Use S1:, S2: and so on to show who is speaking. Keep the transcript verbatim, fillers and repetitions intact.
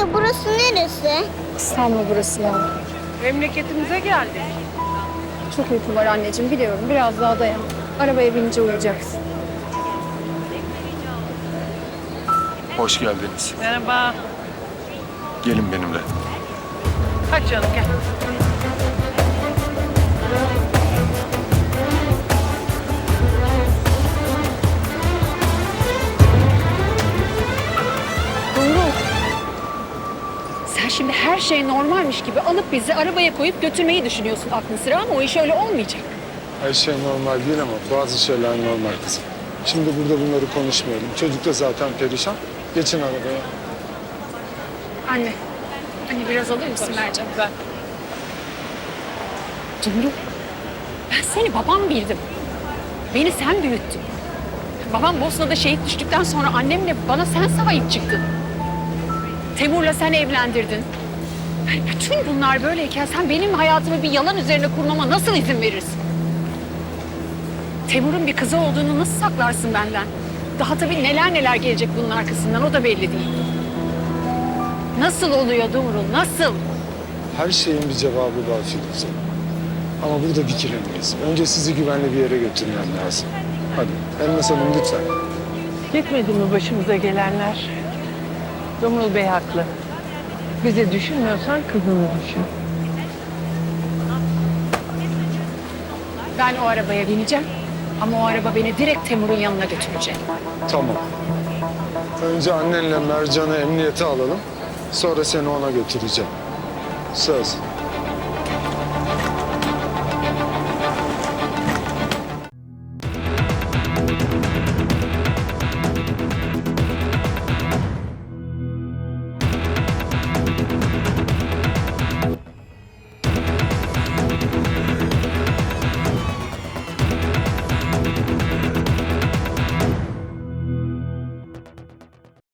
S1: Anne burası neresi?
S2: İstanbul burası ya.
S3: Memleketimize geldik.
S2: Çok uykum var anneciğim biliyorum. Biraz daha dayan. Arabaya binince uyuyacaksın.
S4: Hoş geldiniz.
S3: Merhaba.
S4: Gelin benimle.
S3: Hadi canım gel.
S2: Doğru. Sen şimdi her şey normalmiş gibi alıp bizi arabaya koyup götürmeyi düşünüyorsun aklın sıra ama o iş öyle olmayacak.
S5: Her şey normal değil ama bazı şeyler normal kızım. Şimdi burada bunları konuşmayalım. Çocuk da zaten perişan. Geçin arabaya.
S2: Anne. Anne biraz alır mısın Mercan? Ben. Cumru. Ben seni babam bildim. Beni sen büyüttün. Babam Bosna'da şehit düştükten sonra annemle bana sen sahip çıktın. Temur'la sen evlendirdin. Yani bütün bunlar böyleyken sen benim hayatımı bir yalan üzerine kurmama nasıl izin verirsin? Temur'un bir kızı olduğunu nasıl saklarsın benden? Daha tabii neler neler gelecek bunun arkasından o da belli değil. Nasıl oluyor Dumrul, nasıl?
S5: Her şeyin bir cevabı var Firuze. Ama burada dikilemeyiz. Önce sizi güvenli bir yere götürmem lazım. Hadi Elmas Hanım lütfen.
S3: Yetmedi mi başımıza gelenler? Dumrul Bey haklı. Bizi düşünmüyorsan kızını düşün.
S2: Ben o arabaya bineceğim. Ama o araba beni direkt Temur'un yanına götürecek.
S5: Tamam. Önce annenle Mercan'ı emniyete alalım. Sonra seni ona götüreceğim. Söz.